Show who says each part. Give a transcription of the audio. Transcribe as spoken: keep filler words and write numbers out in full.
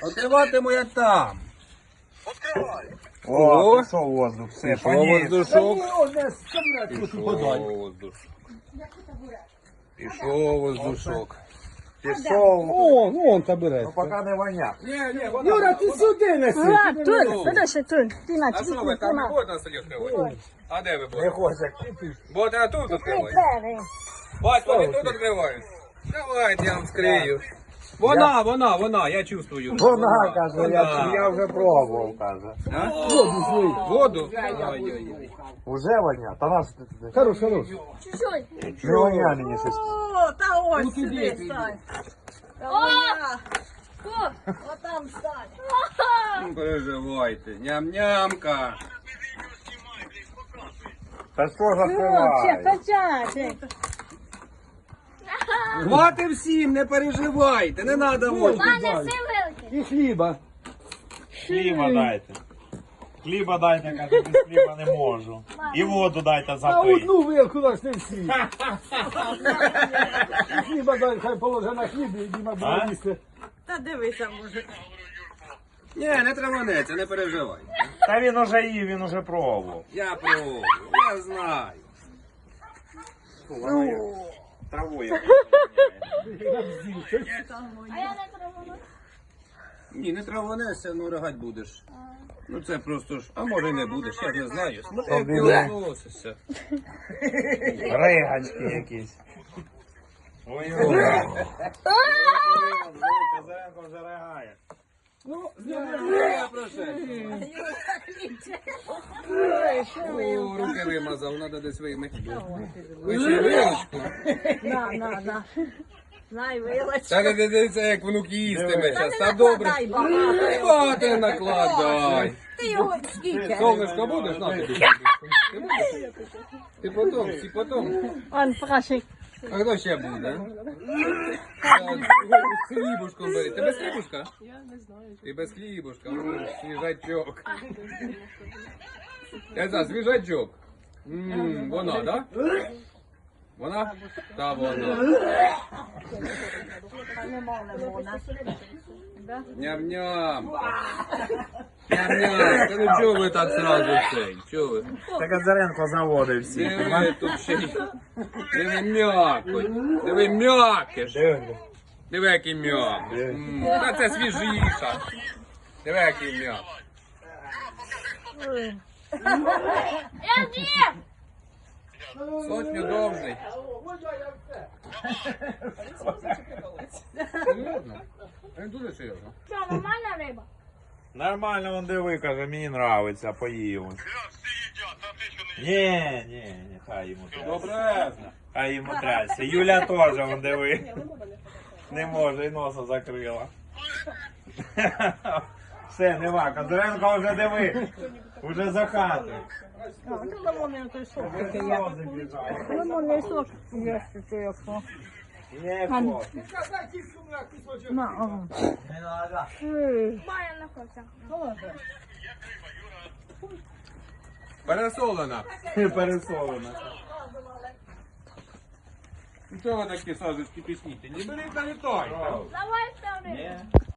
Speaker 1: Відкриватиму я там.
Speaker 2: О, пішов воздух, все,
Speaker 1: Пішов
Speaker 2: поніс.
Speaker 1: воздушок.
Speaker 2: Пішов
Speaker 1: Пішов воздушок. Пішов воздушок.
Speaker 2: Пішов.
Speaker 1: О, ну он табуретка.
Speaker 2: Ну, поки не воняк.
Speaker 1: Ні, ні, вона.
Speaker 3: Юра, ти сюди неси.
Speaker 4: Влад, Туль, подальше, Туль. Ти на,
Speaker 1: А що ви там не будете на селі відкривати? А де ви
Speaker 2: Не
Speaker 1: будете?
Speaker 2: хоче.
Speaker 1: Будете на тут відкривати? Батько, ви тут відкривають? Давайте я вам скрию. Вона, вона, вона, я чувствую.
Speaker 2: Вона, каже, я,
Speaker 1: Вона.
Speaker 2: я вже пробував, каже.
Speaker 1: А? Воду? Ой-ой-ой.
Speaker 2: Уже воня? Та наш ти туди.
Speaker 3: Хорош, хорош.
Speaker 4: Чуть-чуть.
Speaker 2: Не воня мені щось.
Speaker 3: О, та ось сюди стань.
Speaker 4: О, вот там стань.
Speaker 1: Не переживайте. Ням-нямка.
Speaker 2: Та що
Speaker 4: Все,
Speaker 2: закриває?
Speaker 4: почати.
Speaker 1: Хвати всім, не переживайте, не треба воду.
Speaker 4: Пане, все вилки.
Speaker 3: І хліба.
Speaker 2: Хліба дайте. Хліба дайте, каже, без хліба не можу. І воду дайте
Speaker 3: А
Speaker 2: запити.
Speaker 3: одну вилку наш не всі. І хліба дай, хай положи на хліб і Діма буде
Speaker 2: А?
Speaker 3: їсти.
Speaker 5: Та дивися, може.
Speaker 1: Ні, не траванеться, не переживайте.
Speaker 2: Та він уже їв, він уже пробував.
Speaker 1: Я пробую, я знаю.
Speaker 2: Траву я.
Speaker 4: А я не травану.
Speaker 1: Ні, не траванешся, ну ригать будеш. Ну це просто ж, а може й не будеш, я ж не знаю. Смотри, як ти
Speaker 2: Обіде.
Speaker 1: відносишся.
Speaker 2: Риганські якісь. Ой-ой. Казаренко вже ригає.
Speaker 1: Я прошу. О, руки вимазав, треба десь вимити. Ви ще вилочку.
Speaker 5: На, на, на. Знай, вилач.
Speaker 1: Так дивіться, як внук їстиме зараз, та добре.
Speaker 5: Дай багато.
Speaker 1: Багато не накладай.
Speaker 5: Ти його скільки?
Speaker 1: Солнышко будеш? На тобі. Ти будеш? Ти потом, всі потом.
Speaker 4: Он прашик.
Speaker 1: А хто ще буде? З хлібушком бери. Ти без хлібушка? Я не знаю. Ти без хлібушка. М, свіжачок. Я знаю, свіжачок. М, Вона, да? Вона? Та вона. Ням-ням. Ням-ням. Та ну чого ви так сразу цей? Чого ви?
Speaker 2: Та Казаренко заводив всі.
Speaker 1: Диви тут ще й. Диви м'якоть. Диви м'якиш. Диви, який м'як. М, Та це свіжіша. Диви, який м'як.
Speaker 4: Я з'їм.
Speaker 1: Сотню довжий. Серйозно? Він дуже серйозно.
Speaker 4: Що, нормальна риба?
Speaker 2: Нормально, он диви, каже, мені нравиться, поїв. Ні, ні, ні, хай йому трясся.
Speaker 1: Добре.
Speaker 2: Хай йому трясся. Юля теж, он диви. Не може, і носа закрила. Все, нема, Казаренко вже диви. Уже за хатою.
Speaker 5: Лимонний той сок.
Speaker 2: Сльози біжать.
Speaker 5: Лимонний сок. Є ще яко.
Speaker 2: Не хоче.
Speaker 5: На, ага.
Speaker 4: Має на коця.
Speaker 1: Пересолена.
Speaker 2: Пересолено.
Speaker 1: Ну чого ви такі сазочки пісніте? Не бери та літай.
Speaker 4: Давай ставлю.